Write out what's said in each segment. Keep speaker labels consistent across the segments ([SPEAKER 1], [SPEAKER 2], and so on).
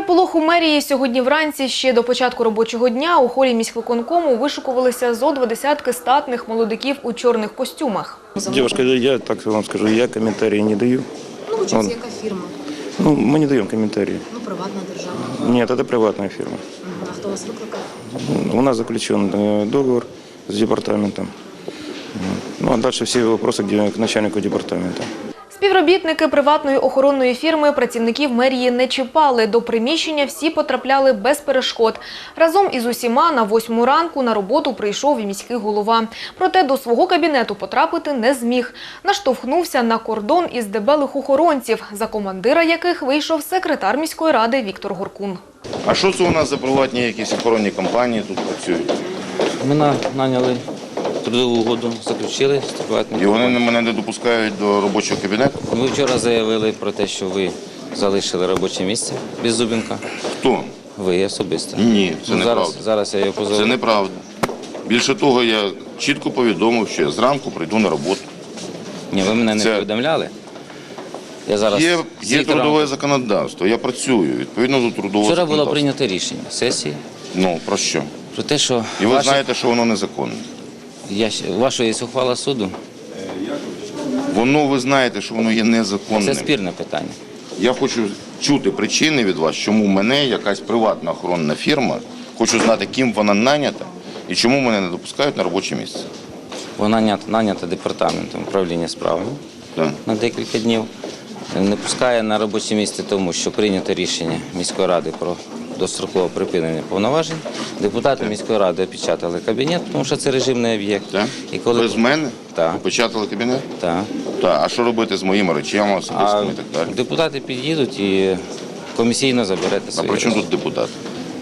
[SPEAKER 1] Переполох у мерії сьогодні вранці ще до початку робочого дня у холі міськвиконкому вишукувалися зо 20 статних молодиків у чорних костюмах.
[SPEAKER 2] Девушка, я так вам скажу, я комментарии не даю.
[SPEAKER 3] Ну, участь, яка фірма?
[SPEAKER 2] Мы не даем комментарии.
[SPEAKER 3] Ну, приватна, державна.
[SPEAKER 2] Нет, это приватная фирма.
[SPEAKER 3] А хто вас викликав?
[SPEAKER 2] У нас заключен договор с департаментом. Ну, а дальше все вопросы к начальнику департамента.
[SPEAKER 1] Співробітники приватної охоронної фірми працівників мерії не чіпали. До приміщення всі потрапляли без перешкод. Разом із усіма на 8 ранку на роботу прийшов і міський голова. Проте до свого кабінету потрапити не зміг. Наштовхнувся на кордон із дебелих охоронців, за командира яких вийшов секретар міської ради Віктор Горкун.
[SPEAKER 4] А що це у нас за приватні якісь охоронні компанії тут працюють?
[SPEAKER 5] Ми наняли трудову угоду, заключили з приватним.
[SPEAKER 4] І вони мене не допускають до робочого кабінету?
[SPEAKER 5] Ви вчора заявили про те, що ви залишили робоче місце без Зубенка.
[SPEAKER 4] Хто?
[SPEAKER 5] Ви особисто.
[SPEAKER 4] Ні, це неправда.
[SPEAKER 5] Зараз я його позову.
[SPEAKER 4] Це неправда. Більше того, я чітко повідомив, що я зранку прийду на роботу.
[SPEAKER 5] Ні, ви мене не повідомляли. Я зараз
[SPEAKER 4] Є трудове законодавство, я працюю відповідно до трудового
[SPEAKER 5] Вчора
[SPEAKER 4] законодавства.
[SPEAKER 5] було прийнято рішення сесії
[SPEAKER 4] Ну, про що?
[SPEAKER 5] про те, що
[SPEAKER 4] І ви знаєте, що воно незаконне.
[SPEAKER 5] ваша є ухвала суду.
[SPEAKER 4] Воно, ви знаєте, що воно є
[SPEAKER 5] Це
[SPEAKER 4] незаконним.
[SPEAKER 5] спірне питання.
[SPEAKER 4] Я хочу чути причини від вас, чому мене якась приватна охоронна фірма, хочу знати, ким вона нанята і чому мене не допускають на робоче місце.
[SPEAKER 5] Вона нанята департаментом управління справами
[SPEAKER 4] Так.
[SPEAKER 5] на декілька днів. Не пускає на робоче місце, тому що прийнято рішення міської ради про дострокове припинення повноважень. Депутати міської ради опечатали кабінет, тому що це режимний об'єкт.
[SPEAKER 4] Так? Без мене?
[SPEAKER 5] Так.
[SPEAKER 4] Опечатали кабінет?
[SPEAKER 5] Так.
[SPEAKER 4] Так. А що робити з моїми речами особистими і так далі?
[SPEAKER 5] Депутати під'їдуть і комісійно заберете
[SPEAKER 4] А
[SPEAKER 5] свої
[SPEAKER 4] при чому
[SPEAKER 5] речі.
[SPEAKER 4] тут депутати?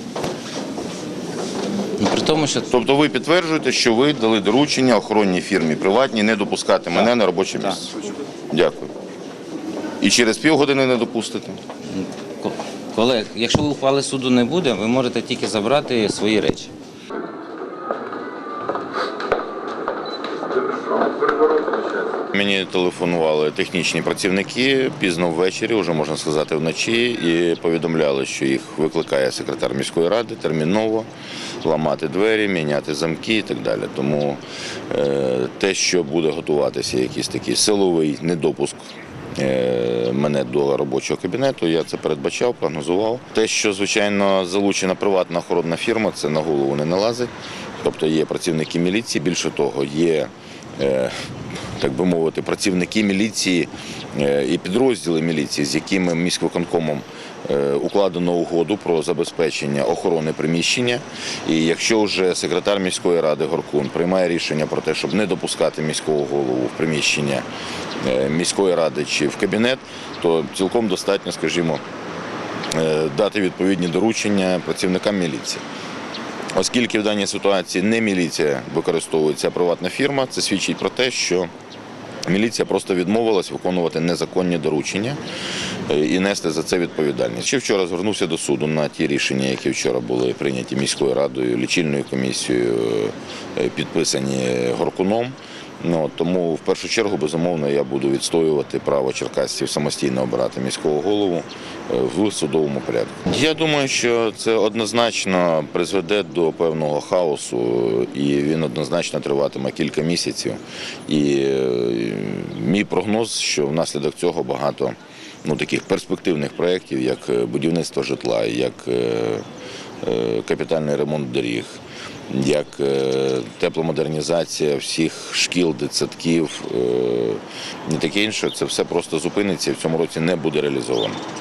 [SPEAKER 5] При тому, що
[SPEAKER 4] Тобто ви підтверджуєте, що ви дали доручення охоронній фірмі приватній не допускати мене на робоче місце? Дякую. І через півгодини не допустите?
[SPEAKER 5] колег, якщо ухвали суду не буде, ви можете тільки забрати свої речі.
[SPEAKER 4] Мені телефонували технічні працівники пізно ввечері, вже можна сказати вночі, і повідомляли, що їх викликає секретар міської ради терміново ламати двері, міняти замки і так далі. Тому те, що буде готуватися якийсь такий силовий недопуск мене до робочого кабінету, я це передбачав, прогнозував. Те, що, звичайно, залучена приватна охоронна фірма, це на голову не налазить. Тобто є працівники міліції, більше того, є, так би мовити, працівники міліції і підрозділи міліції, з якими міськвиконкомом укладено угоду про забезпечення охорони приміщення. І якщо вже секретар міської ради Горкун приймає рішення про те, щоб не допускати міського голову в приміщення міської ради чи в кабінет, то цілком достатньо, скажімо, дати відповідні доручення працівникам міліції. Оскільки в даній ситуації не міліція використовується, а приватна фірма, це свідчить про те, що міліція просто відмовилась виконувати незаконні доручення і нести за це відповідальність. Ще вчора звернувся до суду на ті рішення, які вчора були прийняті міською радою, лічильною комісією, підписані Горкуном. Тому в першу чергу, безумовно, я буду відстоювати право черкасців самостійно обирати міського голову в судовому порядку. Я думаю, що це однозначно призведе до певного хаосу, і він однозначно триватиме кілька місяців. І мій прогноз, що внаслідок цього багато таких перспективних проєктів, як будівництво житла, як капітальний ремонт доріг, як тепломодернізація всіх шкіл, дитсадків і таке інше, це все просто зупиниться і в цьому році не буде реалізовано.